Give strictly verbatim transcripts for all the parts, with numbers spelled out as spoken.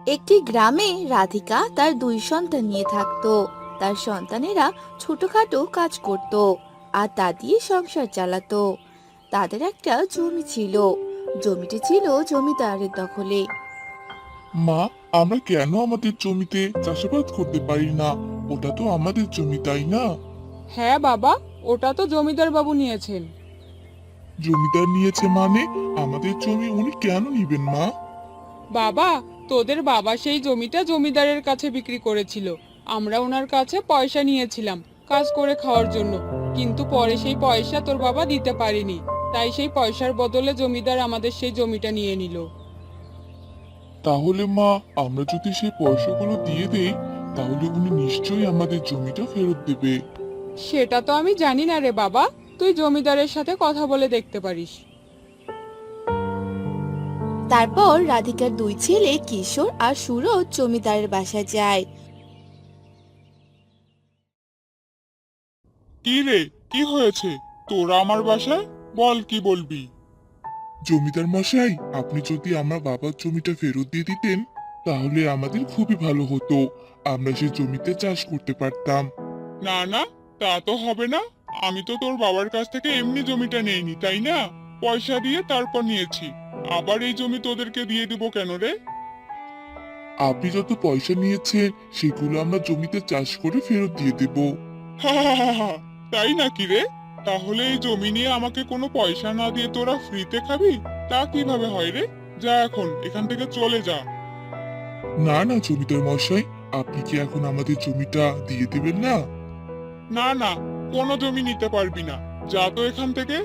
একটি গ্রামে রাধিকা তার দুই সন্তান নিয়ে থাকতো। তার সন্তানেরা ছোটখাটো কাজ করত আর তা দিয়ে সংসার চালাতো। তাদের একটা জমি ছিল। জমিটি ছিল জমিদারের দখলে। মা, আমরা কেন আমাদের জমিতে চাষাবাদ করতে পারি না? ওটা তো আমাদের জমি, তাই না? হ্যাঁ বাবা, ওটা তো জমিদার বাবু নিয়েছেন। জমিদার নিয়েছে মানে আমাদের জমি উনি কেন নিবেন মা? বাবা, তোদের বাবা সেই জমিটা জমিদারের কাছে বিক্রি করেছিল। আমরা ওনার কাছে পয়সা নিয়েছিলাম কাজ করে খাওয়ার জন্য, কিন্তু পরে সেই পয়সা তোর বাবা দিতে পারেনি। তাই সেই পয়সার বদলে জমিদার আমাদের সেই জমিটা নিয়ে নিল। তাহলে মা, আমরা যদি সেই পয়সাগুলো দিয়ে দেই তাহলে উনি নিশ্চয়ই আমাদের জমিটা ফেরত দেবে। সেটা তো আমি জানি না রে বাবা, তুই জমিদারের সাথে কথা বলে দেখতে পারিস। তারপর রাধিকার দুই ছেলে কিশোর আর সুরজ জমিদারের বাসায় যায়। কি রে, কি হয়েছে? তোরা আমার বাসায় বল, কি বলবি? জমিদার মশাই, আপনি যদি আমার বাবার জমিটা ফেরত দিয়ে দিতেন তাহলে আমাদের খুবই ভালো হতো। আমরা সেই জমিতে চাষ করতে পারতাম। না না, তা তো হবে না। আমি তো তোর বাবার কাছ থেকে এমনি জমিটা নেইনি, তাই না? পয়সা দিয়ে তারপর নিয়েছি। আবার এই জমি তোদেরকে দিয়ে দিব কেন রে? আপনি যত পয়সা নিয়েছেন সেগুলো আমরা জমিতে চাষ করে ফেরত দিয়ে দেব। তাই নাকি রে? তাহলে এই জমি নিয়ে আমাকে কোনো পয়সা না দিয়ে তোরা ফ্রিতে খাবি? তা কিভাবে হয় রে? যা, এখন এখান থেকে চলে যা। না না জমিদার মশাই, আপনি কি এখন আমাদের জমিটা দিয়ে দিবেন না? না না, কোনো জমি নিতে পারবি না। যা তো এখান থেকে।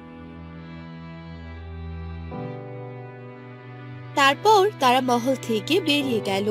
তারপর তারা মহল থেকে বেরিয়ে গেল।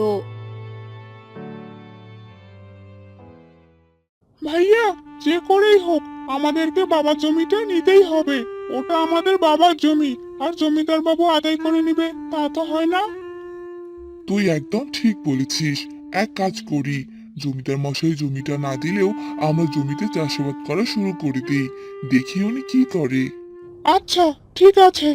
ভাইয়া, যে করেই হোক আমাদেরকে বাবার জমিটা নিতেই হবে। ওটা আমাদের বাবার জমি, আর জমিদার বাবু আদায় করে নিবে তা তো হয় না। তুই একদম ঠিক বলেছিস। এক কাজ করি, জমিদার মশাই জমিটা না দিলেও আমরা জমিতে চাষাবাদ করা শুরু করে দিই। দেখি উনি কি করে। আচ্ছা, ঠিক আছে।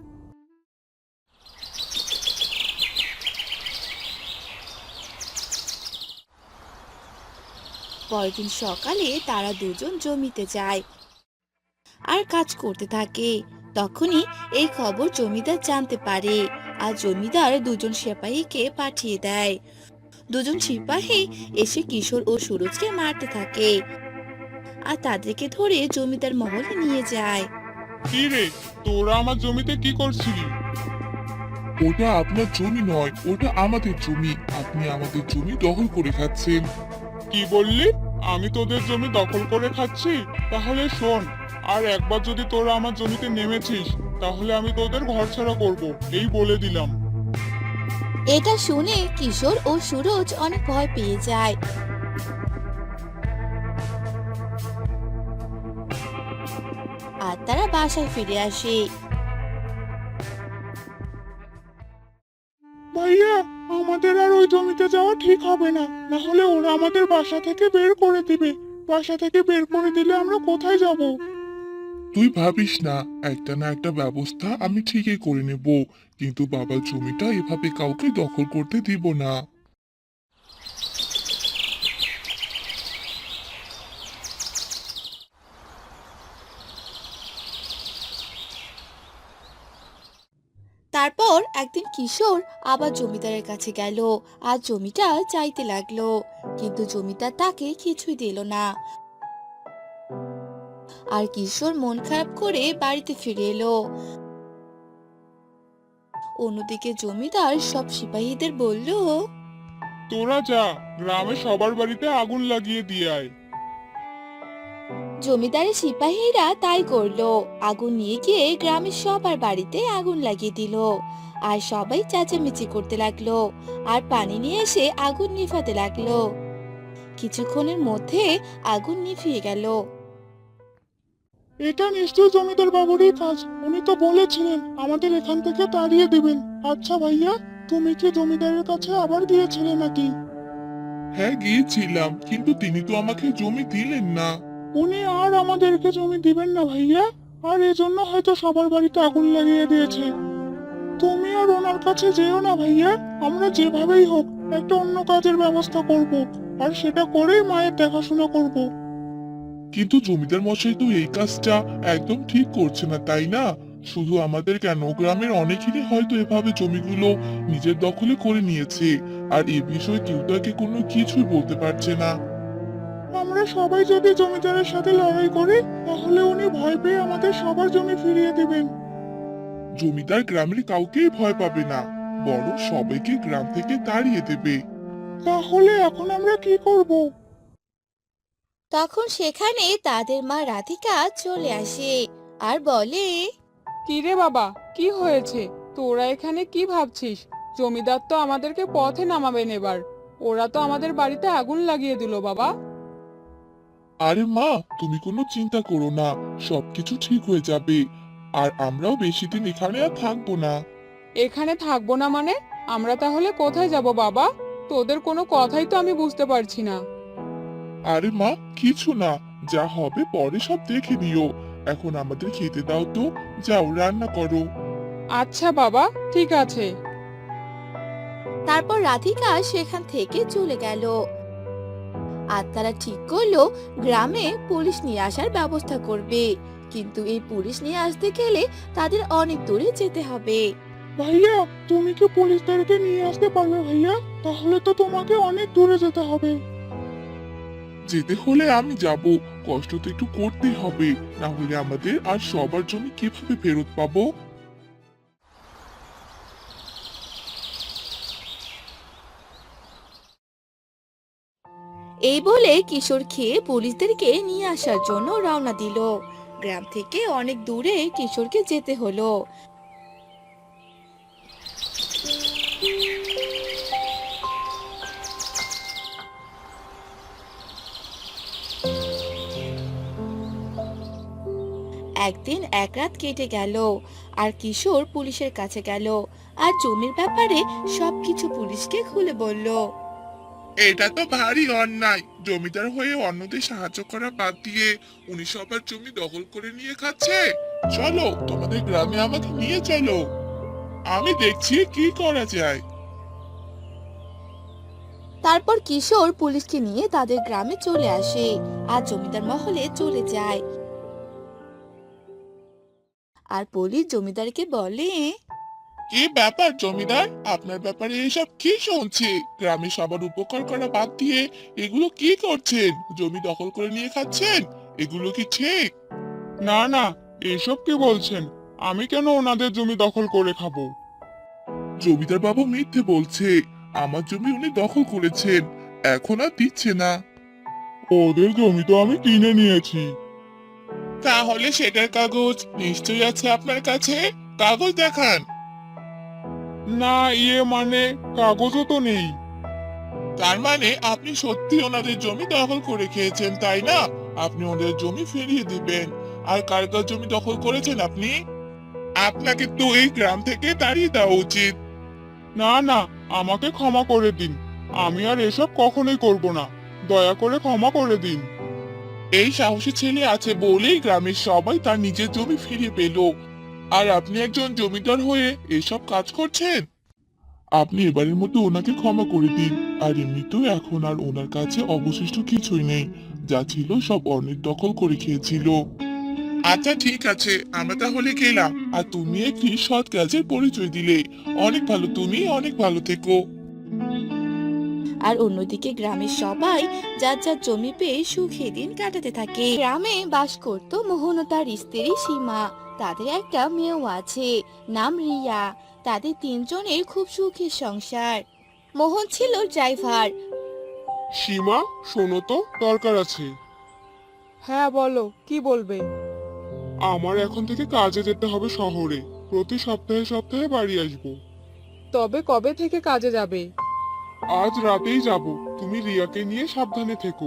পরদিন সকালে তারা দুজন জমিতে যায় আর কাজ করতে থাকে। তখনই এই খবর জমিদার জানতে পারে আর জমিদার দুজন সিপাহীকে পাঠিয়ে দেয়। দুজন সিপাহী এসে কিশোর ও সুরজকে মারতে থাকে আর তাদেরকে ধরে জমিদার মহলে নিয়ে যায়। কি রে, তোরা আমার জমিতে কি করছিলি? ওটা আপনার জমি নয়, ওটা আমাদের জমি। আপনি আমাদের জমি দখল করে খাচ্ছেন। কি বললি? আমি তোদের জমি দখল করে খাচ্ছি? তাহলে শোন, আর একবার যদি তোরা আমার জমিতে নেমেছিস তাহলে আমি তোদের ঘরছাড়া করব, এই বলে দিলাম। এটা শুনে কিশোর ও সুরজ অনেক ভয় পেয়ে যায়। আর তারা বাসায় ফিরে আসে। ভাইয়া, আমাদের আর ওই জমিতে যাওয়া ঠিক হবে না, না হলে ওরা আমাদের বাসা থেকে বের করে দিবে। বাসা থেকে বের করে দিলে আমরা কোথায় যাব? তুই ভাবিস না, একটা না একটা ব্যবস্থা আমি ঠিকই করে নেব। কিন্তু বাবার জমিটা এভাবে কাউকে দখল করতে দিব না। তারপর একদিন কিশোর আবার জমিদারের কাছে গেল আর জমিটা চাইতে লাগলো, কিন্তু জমিদার তাকে কিছুই দিল না। আর কিশোর মন খারাপ করে বাড়িতে ফিরে এলো। অন্যদিকে জমিদার সব সিপাহীদের বলল, তোরা যা, গ্রামে সবার বাড়িতে আগুন লাগিয়ে দিয়ে আয়। জমিদারের সিপাহীরা তাই করলো। আগুন নিয়ে গিয়ে গ্রামের সবার বাড়িতে আগুন লাগিয়ে দিল। আর সবাই চেঁচামেচি করতে লাগলো আর পানি নিয়ে এসে আগুন নিভাতে লাগলো। কিছুক্ষণের মধ্যে আগুন নিভিয়ে গেল। এটা নিশ্চয়ই জমিদার বাবুরই কাজ। উনি তো বলেছিলেন আমাদের এখান থেকে তাড়িয়ে দেবেন। আচ্ছা ভাইয়া, তুমি কি জমিদারের কাছে আবার গিয়েছিলে নাকি? হ্যাঁ, গিয়েছিলাম, কিন্তু তিনি তো আমাকে জমি দিলেন না। উনি আর আমাদেরকে জমি দিবেন না ভাইয়া, আর এজন্য হয়তো সবার বাড়িতে আগুন লাগিয়ে দিয়েছে। তুমি আর ওনার কাছে যেও না ভাইয়া। আমরা যেভাবেই হোক একটা অন্য কাজের ব্যবস্থা করব, আর সেটা করেই মায়ের দেখাশোনা করব। কিন্তু জমিদার মশাই তো এই কাজটা একদম ঠিক করছে না, তাই না? শুধু আমাদের কেন, গ্রামের অনেকেরই হয়তো এভাবে জমিগুলো নিজের দখলে করে নিয়েছে, আর এ বিষয়ে কেউ তাকে কোনো কিছুই বলতে পারছে না। আমরা সবাই যদি জমিদারের সাথে লড়াই করি, তাহলে উনি ভয় পেয়ে আমাদের সবার জমি ফিরিয়ে দিবেন। জমিদার গ্রামের কাউকেই ভয় পাবে না, বরং সবাইকে গ্রাম থেকে তাড়িয়ে দেবে। তাহলে এখন আমরা কি করব? তখন সেখানে তাদের মা রাধিকা চলে আসে আর বলে, কি রে বাবা, কি হয়েছে? তোরা এখানে কি ভাবছিস? জমিদার তো আমাদেরকে পথে নামাবেন এবার। ওরা তো আমাদের বাড়িতে আগুন লাগিয়ে দিল বাবা। আরে মা, তুমি কোনো চিন্তা করো না, সবকিছু ঠিক হয়ে যাবে। আর আমরাও বেশি দিন এখানে আর থাকবো না। এখানে থাকবো না মানে? আমরা তাহলে কোথায় যাব বাবা? তোদের কোনো কথাই তো আমি বুঝতে পারছি না। আরে মা, কিছু না, যা হবে পরে সব দেখে নিও। এখন আমাদের খেতে দাও তো, যাও রান্না করো। আচ্ছা বাবা, ঠিক আছে। তারপর রাধিকা সেখান থেকে চলে গেল। আর তারা ঠিক করলো গ্রামে পুলিশ নিয়ে আসার ব্যবস্থা করবে, কিন্তু এই পুলিশ নিয়ে আসতে গেলে তাদের অনেক দূরে যেতে হবে। ভাইয়া, তুমি কি পুলিশদেরকে নিয়ে আসতে পারবে ভাইয়া? তাহলে তো তোমাকে অনেক দূরে যেতে হবে। যেতে হলে আমি যাব, কষ্ট তো একটু করতেই হবে, না হলে আমাদের আর সবার জমি কিভাবে ফেরত পাবো? এই বলে কিশোর খেয়ে পুলিশদেরকে নিয়ে আসার জন্য রওনা দিল। গ্রাম থেকে অনেক দূরে কিশোরকে যেতে হলো। একদিন এক রাত কেটে গেল, আর কিশোর পুলিশের কাছে গেল আর জমির ব্যাপারে সবকিছু পুলিশকে খুলে বলল। এটা তো ভারী অন্যায়, জমিদার হয়ে অন্যদের সাহায্য করা বাদ দিয়ে উনি সবার জমি দখল করে নিয়ে খাচ্ছে। চলো, তোমাদের গ্রামে আমাকে নিয়ে চলো, আমি দেখছি কি করা যায়। তারপর কিশোর পুলিশকে নিয়ে তাদের গ্রামে চলে আসে আর জমিদার মহলে চলে যায়। আর পুলিশ জমিদারকে বলে, কি ব্যাপার জমিদার, আপনার ব্যাপারে এসব কি শুনছি? গ্রামে সবার উপকার করা বাদ দিয়ে এগুলো কি করছেন? জমি দখল করে নিয়ে খাচ্ছেন, এগুলো কি ঠিক? না না, এসব কি বলছেন? আমি কেন ওনাদের জমি দখল করে খাবো? জমিদার বাবু মিথ্যে বলছে, আমার জমি উনি দখল করেছেন, এখন আর দিচ্ছে না। ওদের জমি তো আমি কিনে নিয়েছি। তাহলে সেটার কাগজ নিশ্চয়ই আছে আপনার কাছে, কাগজ দেখান। না, ইয়ে মানে কাগজও তো নেই। তার মানে আপনি সত্যি ওনাদের জমি দখল করে খেয়েছেন, তাই না? আপনি ওদের জমি ফিরিয়ে দিবেন। আর কার কার জমি দখল করেছেন আপনি? আপনাকে তো এই গ্রাম থেকে তাড়িয়ে দেওয়া উচিত। না না, আমাকে ক্ষমা করে দিন, আমি আর এসব কখনোই করব না, দয়া করে ক্ষমা করে দিন। এই সাহসী ছেলে আছে বলেই গ্রামের সবাই তার নিজের জমি ফিরিয়ে পেল, আর আপনি একজন জমিদার হয়ে এসব কাজ করছেন। আপনি এবারের মতো ওনাকে ক্ষমা করে দিন, আর এমনিতেও এখন আর ওনার কাছে অবশিষ্ট কিছুই নেই, যা ছিল সব অন্যের দখল করে খেয়েছিল। আচ্ছা ঠিক আছে, আমরা তাহলে গেলাম, আর তুমি একটি সৎ কাজের পরিচয় দিলে। অনেক ভালো, তুমি অনেক ভালো থেকো। আর অন্যদিকে গ্রামের সবাই যার যার জমি পেয়ে সুখে দিন কাটাতে থাকে। গ্রামে বাস করত মোহন ও তার স্ত্রী সীমা। তাদের একটা মেয়েও আছে, নাম রিয়া। তাদের তিনজনের খুব সুখের সংসার। মোহন ছিল ড্রাইভার। সীমা, শোনো তো, দরকার আছে। হ্যাঁ বলো, কি বলবে? আমার এখন থেকে কাজে যেতে হবে শহরে, প্রতি সপ্তাহে সপ্তাহে বাড়ি আসবো। তবে কবে থেকে কাজে যাবে? আজ রাতেই যাব, তুমি রিয়াকে নিয়ে সাবধানে থেকো।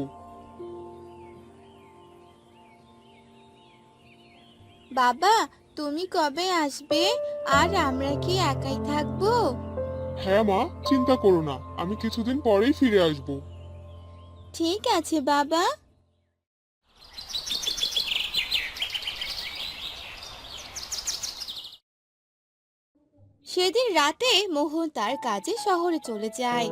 বাবা, তুমি কবে আসবে? আর আমরা কি একাই থাকবো? হ্যাঁ মা, চিন্তা করো না, আমি কিছুদিন পরেই ফিরে আসব। ঠিক আছে বাবা। সেদিন রাতে মোহন তার কাজে শহরে চলে যায়।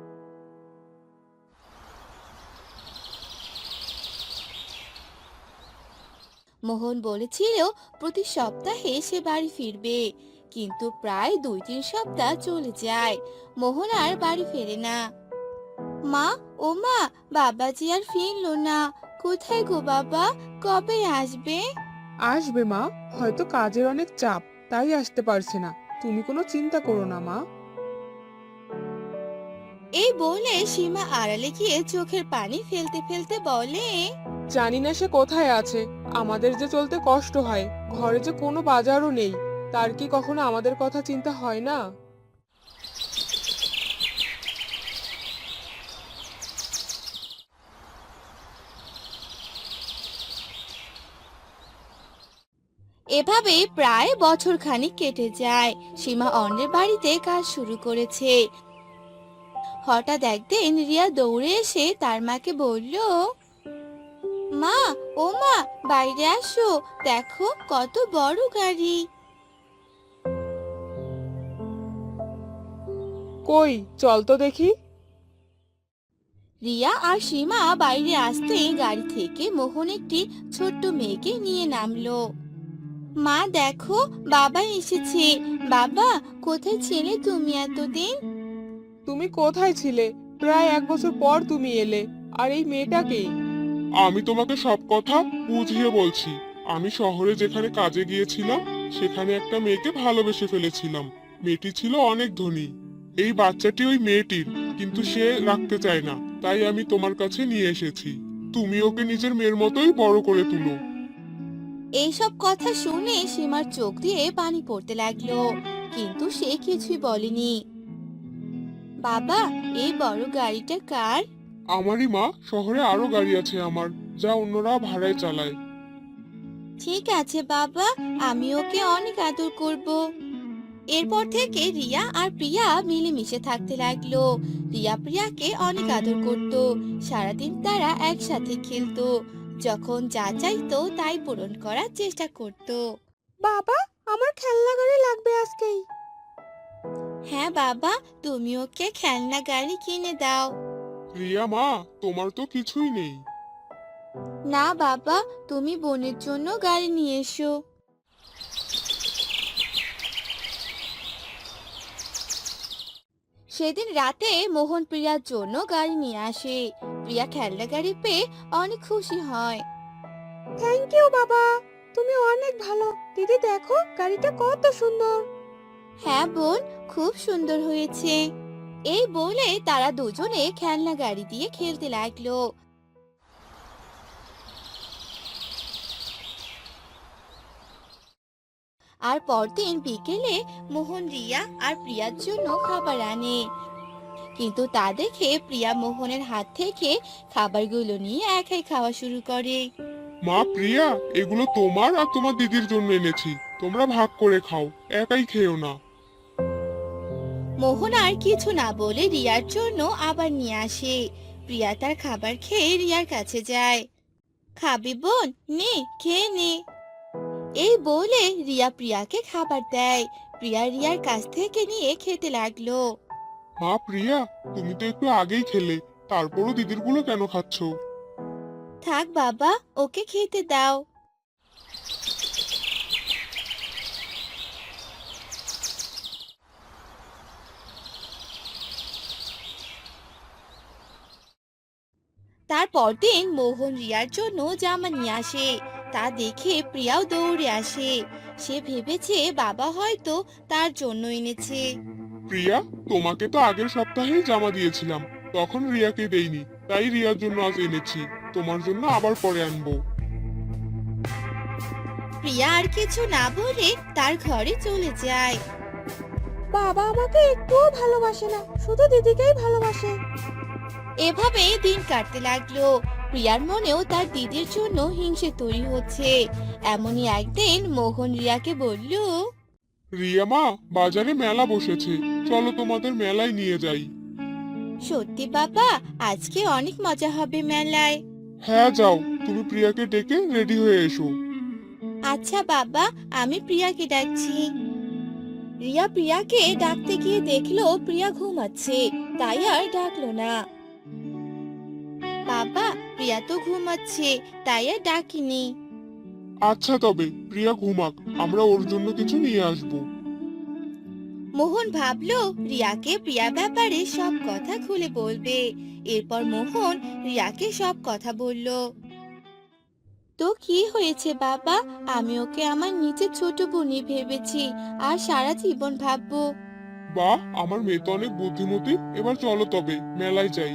মোহন বলেছিল প্রতি সপ্তাহে সে বাড়ি ফিরবে, কিন্তু প্রায় দুই তিন সপ্তাহ চলে যায়, মোহন আর বাড়ি ফেরে না। মা, ও মা, বাবাজি আর ফিরলো না। কোথায় গো বাবা, কবে আসবে? আসবে মা, হয়তো কাজের অনেক চাপ, তাই আসতে পারছে না। তুমি কোনো চিন্তা করো না মা। এই বলে সীমা আড়ালে গিয়ে চোখের পানি ফেলতে ফেলতে বলে, জানি না সে কোথায় আছে। আমাদের যে চলতে কষ্ট হয়, ঘরে যে কোনো বাজারও নেই, তার কি কখনো আমাদের কথা চিন্তা হয় না? এভাবেই প্রায় বছর খানিক কেটে যায়। সীমা অন্যের বাড়িতে কাজ শুরু করেছে। হঠাৎ একদিন রিয়া দৌড়ে এসে তার মাকে বলল, মা, ও মা, বাইরে আসো, দেখো কত বড় গাড়ি। কই, চল তো দেখি। রিয়া আর সীমা বাইরে আসতেই গাড়ি থেকে মোহন একটি ছোট্ট মেয়েকে নিয়ে নামলো। মা দেখো, বাবা এসেছে। বাবা, কোথায় ছিলে তুমি এতদিন? তুমি কোথায় ছিলে? প্রায় এক বছর পর তুমি এলে। আর এই মেয়েটাকে? আমি তোমাকে সব কথা বুঝিয়ে বলছি। আমি শহরে যেখানে কাজে গিয়েছিলাম, সেখানে একটা মেয়েকে ভালোবেসে ফেলেছিলাম। মেয়েটি ছিল অনেক ধনী। এই বাচ্চাটি ওই মেয়েটির, কিন্তু সে রাখতে চায় না, তাই আমি তোমার কাছে নিয়ে এসেছি। তুমি ওকে নিজের মেয়ের মতোই বড় করে তুলো। এইসব কথা শুনে সীমার চোখ দিয়ে পানি পড়তে লাগলো, কিন্তু সে কিছুই বলেনি। বাবা, এই বড় গাড়িটা কার? আমারই মা, শহরে আরো গাড়ি আছে আমার, যা অন্যরা ভাড়ায় চালায়। ঠিক আছে বাবা, আমি ওকে অনেক আদর করব। এরপর থেকে রিয়া আর প্রিয়া মিলেমিশে থাকতে লাগলো। রিয়া প্রিয়াকে অনেক আদর করত, সারাদিন তারা একসাথে খেলতো, যখন যা চাইতো তাই পূরণ করার চেষ্টা করত। বাবা, আমার খেলনা গাড়ি লাগবে আজকেই। হ্যাঁ বাবা, তুমি ওকে খেলনা গাড়ি কিনে দাও। রিয়া মা, তোমার তো কিছুই নেই। না বাবা, তুমি বোনের জন্য গাড়ি নিয়ে এসো। সেদিন রাতে মোহন প্রিয়ার জন্য গাড়ি নিয়ে আসে। প্রিয়া খেলনা গাড়ি পেয়ে অনেক খুশি হয়। থ্যাংক ইউ বাবা, তুমি অনেক ভালো। দিদি দেখো, গাড়িটা কত সুন্দর। হ্যাঁ বোন, খুব সুন্দর হয়েছে। এই বলে তারা দুজনে খেলনা গাড়ি দিয়ে খেলতে লাগলো। আর পরদিন বিকেলে মোহন রিয়া আর প্রিয়ার জন্য খাবার আনে, কিন্তু তা দেখে প্রিয়া মোহনের হাত থেকে খাবারগুলো নিয়ে একাই খাওয়া শুরু করে। মা প্রিয়া, এগুলো তোমার আর তোমার দিদির জন্য এনেছি, তোমরা ভাগ করে খাও, একাই খেও না। মোহন আর কিছু না বলে রিয়ার জন্য আবার নিয়ে আসে। প্রিয়া তার খাবার খেয়ে রিয়ার কাছে যায়। খাবি বোন, নে খেয়ে নে। এই বলে রিয়া প্রিয়াকে খাবার দেয়। প্রিয়া রিয়ার কাছ থেকে নিয়ে খেতে লাগলো। মা প্রিয়া, তুমি তো একটু আগেই খেলে, তারপরও দিদির গুলো কেন খাচ্ছ? থাক বাবা, ওকে খেতে দাও। তারপর দিন মোহন রিয়ার জন্য জামা নিয়ে আসে। তা দেখে প্রিয়াও দৌড়ে আসে। সে ভেবেছে বাবা হয়তো তার জন্য এনেছে। প্রিয়া, তোমাকে তো আগের সপ্তাহেই জামা দিয়েছিলাম, তখন রিয়াকে দেইনি, তাই রিয়ার জন্য আজ এনেছি। তোমার জন্য আবার পরে আনবো। প্রিয়া আর কিছু না বলে তার ঘরে চলে যায়। বাবা আমাকে একটুও ভালোবাসে না, শুধু দিদিকেই ভালোবাসে। এভাবে দিন কাটতে লাগলো। প্রিয়ার মনেও তার দিদির জন্য হিংসে তৈরি হচ্ছে। এমনই একদিন মোহন রিয়াকে বলল, রিয়া মা, বাজারে মেলা বসেছে, চলো তোমাদের মেলায় নিয়ে যাই। সত্যি বাবা, আজকে অনেক মজা হবে মেলায়। হ্যাঁ যাও, তুমি প্রিয়াকে ডেকে রেডি হয়ে এসো। আচ্ছা বাবা, আমি প্রিয়াকে ডাকছি। রিয়া প্রিয়াকে ডাকতে গিয়ে দেখলো প্রিয়া ঘুমাচ্ছে, তাই আর ডাকলো না। বাবা, প্রিয়া তো ঘুমাচ্ছে, তাই আর ডাকিনি। আচ্ছা তবে প্রিয়া ঘুমাক, আমরা ওর জন্য কিছু নিয়ে আসবো। মোহন ভাবলো রিয়াকে প্রিয়ার ব্যাপারে সব কথা খুলে বলবে। এরপর মোহন রিয়াকে সব কথা বলল। তো কি হয়েছে বাবা? আমি ওকে আমার নিজের ছোট বোনই ভেবেছি, আর সারা জীবন ভাববো। বাহ, আমার মেয়ে তো অনেক বুদ্ধিমতী। এবার চলো তবে মেলায় যাই।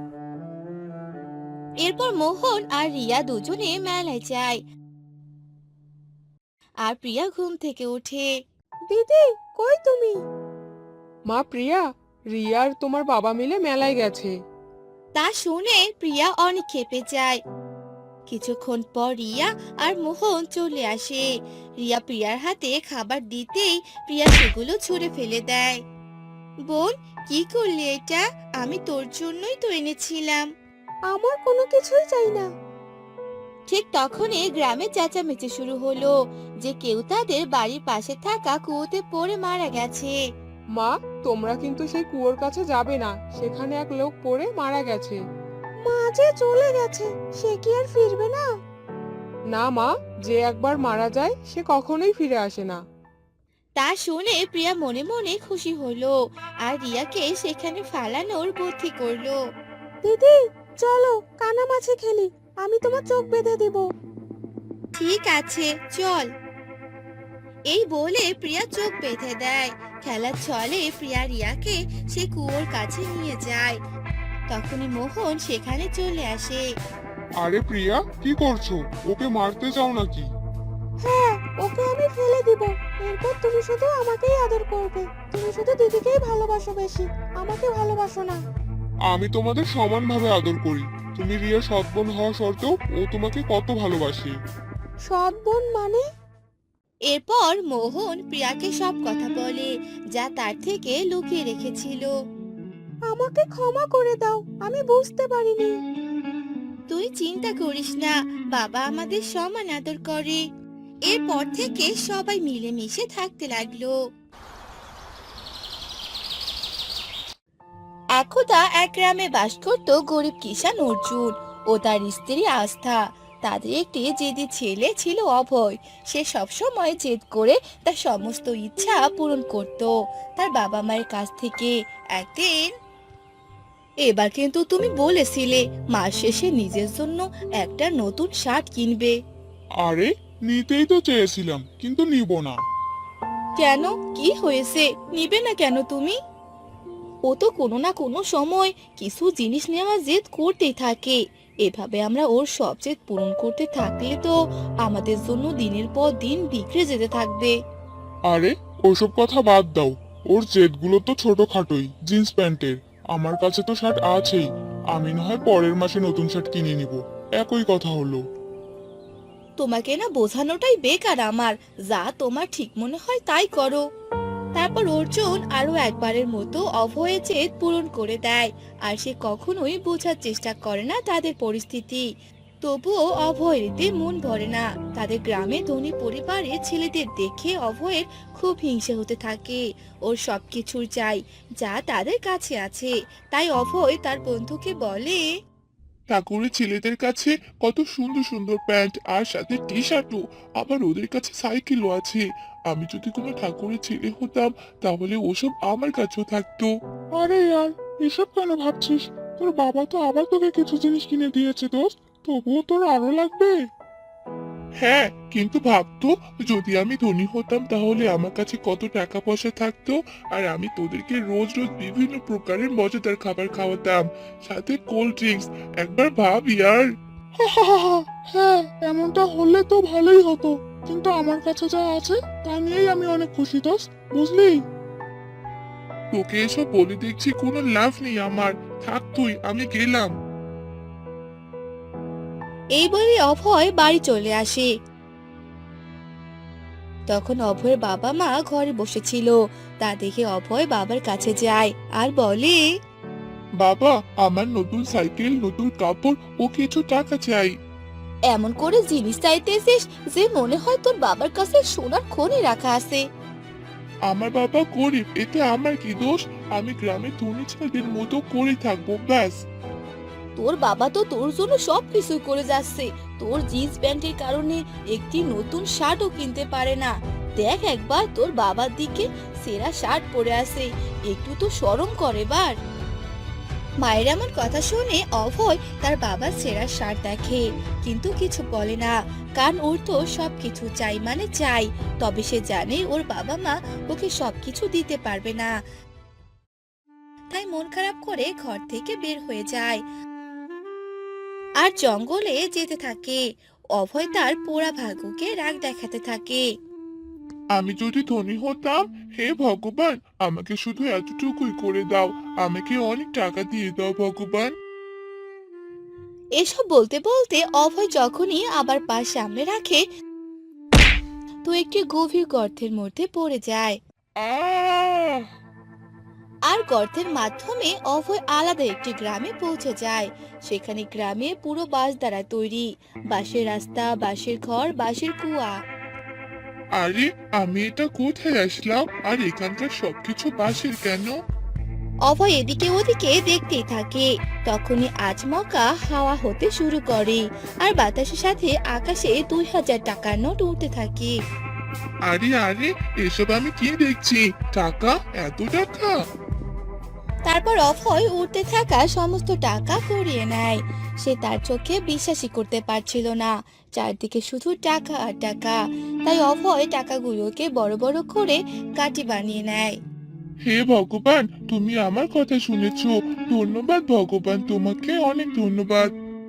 এরপর মোহন আর রিয়া দুজনে মেলায় যায়। আর প্রিয়া ঘুম থেকে ওঠে। দিদি, কই তুমি? মা প্রিয়া, রিয়া আর তোমার বাবা মিলে মেলায় গেছে। তা শুনে প্রিয়া অনেক ক্ষেপে যায়। কিছুক্ষণ পর রিয়া আর মোহন চলে আসে। রিয়া প্রিয়ার হাতে খাবার দিতেই প্রিয়া সেগুলো ছুঁড়ে ফেলে দেয়। বোন, কি করলি এটা? আমি তোর জন্যই তো এনেছিলাম। আমার কোনো কিছুই চাই না। ঠিক তখনই গ্রামে চেঁচামেচি শুরু হলো যে কেউ তাদের বাড়ির পাশে থাকা কুয়োতে পড়ে মারা গেছে। মা, তোমরা কিন্তু সেই কুয়োর কাছে যাবে না, সেখানে এক লোক পড়ে মারা গেছে। মা যে চলে গেছে, সে কি আর ফিরবে না? না মা, যে একবার মারা যায় সে কখনোই ফিরে আসে না। তা শুনে প্রিয়া মনে মনে খুশি হলো আর রিয়াকে সেখানে ফালানোর বুদ্ধি করলো। দিদি, চলো কানামাছি খেলি, আমি তোমার চোখ বেঁধে দেব। ঠিক আছে, চল। এই বলে প্রিয়া চোখ বেঁধে দেয়। খেলার ছলে প্রিয়া রিয়াকে সে কুয়োর কাছে নিয়ে যায়। তখনই মোহন সেখানে চলে আসে। আরে প্রিয়া, কি করছো? ওকে মারতে চাও নাকি? হ্যাঁ, ওকে আমি ফেলে দিব। এরপর তুমি শুধু আমাকেই আদর করবে। তুমি শুধু দিদিকেই ভালোবাসো বেশি, আমাকে ভালোবাসো না। আমি তোমাদের সমানভাবে আদর করি। তুমি রিয়া সৎ বোন হওয়া সত্ত্বেও ও তোমাকে কত ভালোবাসে। সৎ বোন মানে? এরপর মোহন প্রিয়াকে সব কথা বলে যা তার থেকে লুকিয়ে রেখেছিল। আমাকে ক্ষমা করে দাও, আমি বুঝতে পারিনি। তুই চিন্তা করিস না, বাবা আমাদের সমান আদর করে। এরপর থেকে সবাই মিলেমিশে থাকতে লাগলো। একদা এক গ্রামে বাস করত গরিব কিষান অর্জুন ও তার স্ত্রী আস্থা। তাদের একটি জেদি ছেলে ছিল অভয়। সে সবসময় জেদ করে তার সমস্ত ইচ্ছা পূরণ করত তার বাবা মায়ের কাছ থেকে। একদিন, এবার কিন্তু তুমি বলেছিলে মাস শেষে নিজের জন্য একটা নতুন শার্ট কিনবে। আরে, নিতেই তো চেয়েছিলাম, কিন্তু নিব না। কেন, কি হয়েছে? নিবে না কেন তুমি? ও তো কোনো না কোনো সময় কিছু জিনিস নেওয়ার জেদ করতেই থাকে। এভাবে আমরা ওর সব জেদ পূরণ করতে থাকলে তো আমাদের জন্য দিনের পর দিন বিগড়ে যেতে থাকবে। আরে, ওসব কথা বাদ দাও। ওর জেদগুলো তো ছোটখাটোই, জিন্স প্যান্টের। আমার কাছে তো শার্ট আছেই। আমি না হয় পরের মাসে নতুন শার্ট কিনে নিব। একই কথা হলো। তোমাকে না বোঝানোটাই বেকার আমার। যা তোমার ঠিক মনে হয় তাই করো। তারপর অর্জুন আরো একবারের মতো অভয়ের জেদ পূরণ করে দেয়। আর সে কখনোই বোঝার চেষ্টা করে না তাদের পরিস্থিতি। তবুও অভয়ের এতে মন ভরে না। তাদের গ্রামে ধনী পরিবারের ছেলেদের দেখে অভয়ের খুব হিংসে হতে থাকে। ওর সবকিছুর চাই যা তাদের কাছে আছে। তাই অভয় তার বন্ধুকে বলে, ঠাকুরের ছেলেদের কাছে কত সুন্দর সুন্দর প্যান্ট আর সাথে টি শার্টও, আবার ওদের কাছে সাইকেলও আছে। আমি যদি কোনো ঠাকুরের ছেলে হতাম তাহলে ওসব আমার কাছেও থাকতো। আরে ইয়ার, এসব কেন ভাবছিস? তোর বাবা তো আবার তোকে কিছু জিনিস কিনে দিয়েছে দোস্ত, তবুও তোর আরো লাগবে। হ্যাঁ, কিন্তু ভাবতো যদি আমি ধনী হতাম তাহলে আমার কাছে কত টাকা পয়সা থাকতো, আর আমি তোদেরকে রোজ রোজ বিভিন্ন প্রকারের মজাদার খাবার খাওয়াতাম, সাথে কোল্ড ড্রিঙ্কস। একবার ভাব ইয়ার। হ্যাঁ, এমনটা হলে তো ভালোই হতো, কিন্তু আমার কাছে যা আছে তা নিয়েই আমি অনেক খুশি দোস্ত, বুঝলি? তোকে এসব বলে দেখছি কোনো লাভ নেই আমার। থাক তুই, আমি গেলাম। এই বলে অভয় বাড়ি চলে আসে। তখন অভয়ের বাবা মা ঘরে বসেছিল। তা দেখে অভয় বাবার কাছে যায় আর বলে, বাবা, আমার নতুন সাইকেল, নতুন কাপড় ও কিছু টাকা চাই। এমন করে জিনিস চাইতেছিস যে মনে হয় তোর বাবার কাছে সোনার খনি রাখা আছে। আমার বাবা গরিব, এতে আমার কি দোষ? আমি গ্রামের ধনী ছেলেদের মতো করে থাকবো, ব্যাস। তোর বাবা তো তোর জন্য সব কিছুই করে যাচ্ছে। তোর জিন্স প্যান্টের কারণে একটি নতুন শার্টও কিনতে পারে না। দেখ একবার তোর বাবার দিকে, সেরা শার্ট পরে আছে। একটু তো শরম করে এবার। মায়ের এমন কথা শুনে অভয় তার বাবার সেরা শার্ট দেখে, কিন্তু কিছু বলে না। কারণ ওর তো সবকিছু চাই মানে চাই। তবে সে জানে ওর বাবা মা ওকে সবকিছু দিতে পারবে না, তাই মন খারাপ করে ঘর থেকে বের হয়ে যায় আর জঙ্গলে যেতে থাকে। অভয় তার পোড়া ভাগ্যকে রাগ দেখাতে থাকে। আমি যদি ধনী হতাম, হে ভগবান, আমাকে শুধু এতটুকুই করে দাও। আমাকে অনেক টাকা দিয়ে দাও ভগবান। এসব বলতে বলতে অভয় যখনই আবার পা সামনে রাখে, তো একটি গভীর গর্তের মধ্যে পড়ে যায়। আহ আর গর্তের মাধ্যমে অভয় আলাদা একটি গ্রামে পৌঁছে যায়। সেখানে গ্রামে পুরো বাঁশ দ্বারা তৈরি, বাঁশের রাস্তা, বাঁশের ঘর, বাঁশের কুয়া। আরে, আমি এটা কোথায় আসলাম? আর এখানকার সবকিছু বাঁশের কেন? অভয় এদিকে ওদিকে দেখতেই থাকে। তখনই আচমকা হাওয়া হতে শুরু করে, আর বাতাসের সাথে আকাশে দুই হাজার টাকার নোট উঠতে থাকে। আরে আরে, এসব আমি কি দেখছি? টাকা? এত টাকা? তারপর অভয় উঠতে থাকা সমস্ত টাকা কুড়িয়ে নেয়। সে তার চোখে বিশ্বাসই করতে পারছিল না। চারদিকে শুধু টাকা আর টাকা। তাই অভয় টাকাগুলোকে বড় বড় করে কাঠি বানিয়ে নেয়। হে ভগবান, তুমি আমার কথা শুনেছো। ধন্যবাদ ভগবান, তোমাকে অনেক ধন্যবাদ।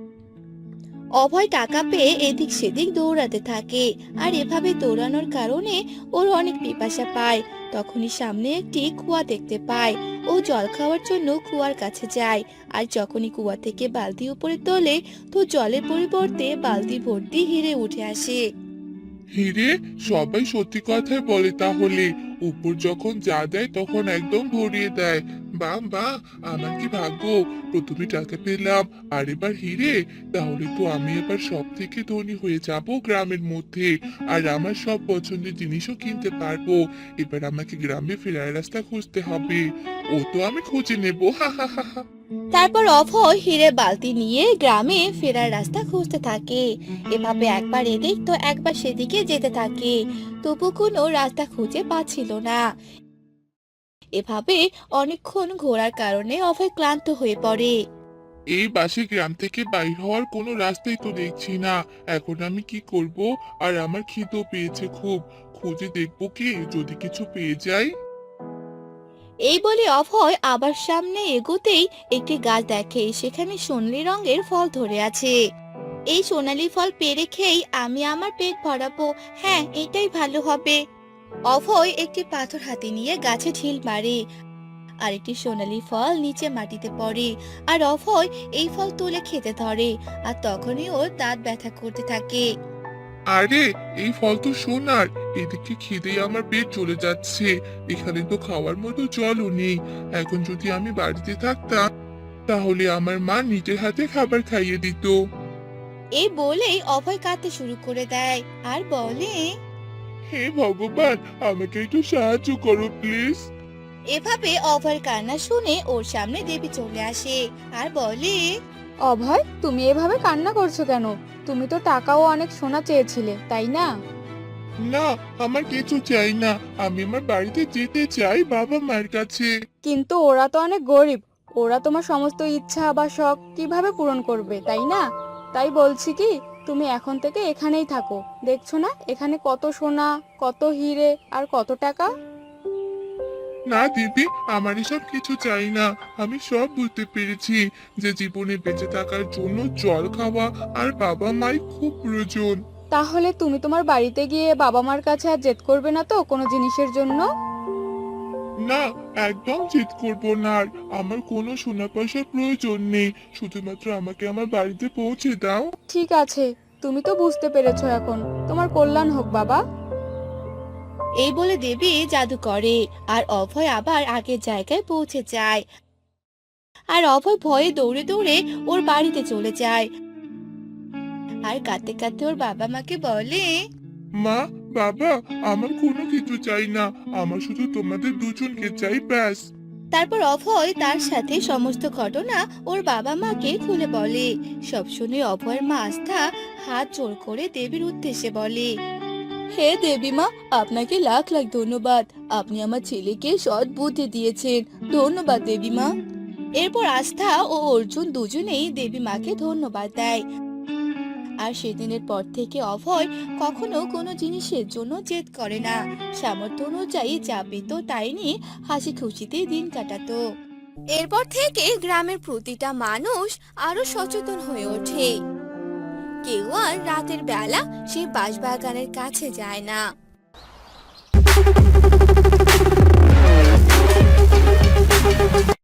অভয় টাকা পেয়ে এদিক সেদিক দৌড়াতে থাকে, আর এভাবে দৌড়ানোর কারণে ওর অনেক পিপাসা পায়। তখনই সামনে একটি কুয়া দেখতে পায়। ও জল খাওয়ার জন্য কুয়ার কাছে যায়। আর যখনই কুয়া থেকে বালতি উপরে তোলে, তো জলের পরিবর্তে বালতি ভর্তি হিরে উঠে আসে। হিরে? সবাই সত্যি কথাই বলে তাহলে। উপর যখন যা দেয় তখন একদম ভরিয়ে দেয়। বাহ বাহ, আমার কি ভাগ্য! প্রথমে টাকা পেলাম, আর এবার হিরে। তাহলে তো আমি এবার সব থেকে ধনী হয়ে যাব গ্রামের মধ্যে। আর আমার সব পছন্দের জিনিসও কিনতে পারবো। এবার আমাকে গ্রামে ফেরার রাস্তা খুঁজতে হবে। ও তো আমি খুঁজে নেবো, হা হা হা হা। তারপর অভয় হিরে বালতি নিয়ে গ্রামে ফেরার রাস্তা খুঁজতে থাকে। এভাবে একবার এদিক তো একবার সেদিকে যেতে থাকে, তবু কোনো রাস্তা খুঁজে পাচ্ছিল না। এভাবে অনেকক্ষণ ঘোরার কারণে অভয় ক্লান্ত হয়ে পড়ে। এই বাসে গ্রাম থেকে বাইর হওয়ার কোনো রাস্তাই তো দেখছি না। এখন আমি কি করব? আর আমার খিদেও পেয়েছে খুব। খুঁজে দেখবো কি, যদি কিছু পেয়ে যাই। এই বলে অভয় আবার সামনে এগোতেই একটি গাছ দেখে, সেখানে সোনালী রঙের ফল ধরে আছে। এই সোনালী ফল পেড়ে খেয়েই আমি আমার পেট ভরাবো। হ্যাঁ, এটাই ভালো হবে। অভয় একটি পাথর হাতে নিয়ে গাছে ঢিল মারে, আর একটি সোনালী ফল নিচে মাটিতে পড়ে। আর অভয় এই ফল তুলে খেতে ধরে, আর তখনই ওর দাঁত ব্যথা করতে থাকে। আরে, এই ফল তো সোনার। এদিকে খিদে আমার পেট চলে যাচ্ছে। এখানে তো খাওয়ার মতো জলও নেই। এখন যদি আমি বাড়িতে থাকতাম, তাহলে আমার মা নিজের হাতে খাবার খাইয়ে দিত। এই বলেই অভয় কাঁদতে শুরু করে দেয় আর বলে, হে ভগবান, আমাকে একটু সাহায্য করো প্লিজ। এভাবে অভয়ের কান্না শুনে ওর সামনে দেবী চলে আসে আর বলে, অভয়, তুমি এভাবে কান্না করছো কেন? তুমি তো টাকাও অনেক সোনা চেয়েছিলে, তাই না? না, আমার কিছু চাই না। আমি আমার বাড়িতে যেতে চাই, বাবা মায়ের কাছে। কিন্তু ওরা তো অনেক গরিব। ওরা তোমার সমস্ত ইচ্ছা বা শখ কিভাবে পূরণ করবে, তাই না? তাই বলছি কি, তুমি এখন থেকে এখানেই থাকো। দেখছো না এখানে কত সোনা, কত হিরে আর কত টাকা? না দিদি, আমার এসব কিছু চাই না। আমি সব বুঝতে পেরেছি যে জীবনে বেঁচে থাকার জন্য জল খাওয়া আর বাবা মাই খুব প্রয়োজন। তাহলে তুমি তোমার বাড়িতে গিয়ে বাবা মার কাছে আর জেদ করবে না তো কোনো জিনিসের জন্য? না, একদম জিদ করবো না আর। আমার কোনো সোনা পয়সার প্রয়োজন নেই। শুধুমাত্র আমাকে আমার বাড়িতে পৌঁছে দাও। ঠিক আছে, তুমি তো বুঝতে পেরেছো এখন। তোমার কল্যাণ হোক বাবা। এই বলে দেবী জাদু করে, আর অভয় আবার আগের জায়গায় পৌঁছে যায়। আর অভয় ভয়ে দৌড়ে দৌড়ে ওর বাড়িতে চলে যায়, আর কাঁদতে কাঁদতে ওর বাবা মাকে বলে, মা, বাবা, আমার কোনো কিছু চাই না, আমার শুধু তোমাদের দুজনকে চাই, ব্যাস। তারপর অভয় তার সাথে সমস্ত ঘটনা ওর বাবা মাকে খুলে বলে। সব শুনে অভয়ের মা আস্থা হাত জোড় করে দেবীর উদ্দেশ্যে বলে, হে দেবী মা, আপনাকে লাখ লাখ ধন্যবাদ। আপনি আমার ছেলেকে সৎ বুদ্ধি দিয়েছেন। ধন্যবাদ দেবী মা। এরপর আস্থা ও অর্জুন দুজনেই দেবী মাকে ধন্যবাদ দেয়। আর সেদিনের পর থেকে অভয় কখনো কোনো জিনিসের জন্য জেদ করে না। সামর্থ্য অনুযায়ী যা পেত তাই নিয়ে হাসি খুশিতে দিন কাটাতো। এরপর থেকে গ্রামের প্রতিটা মানুষ আরো সচেতন হয়ে ওঠে। কেউ আর রাতের বেলা সেই বাঁশবাগানের কাছে যায় না।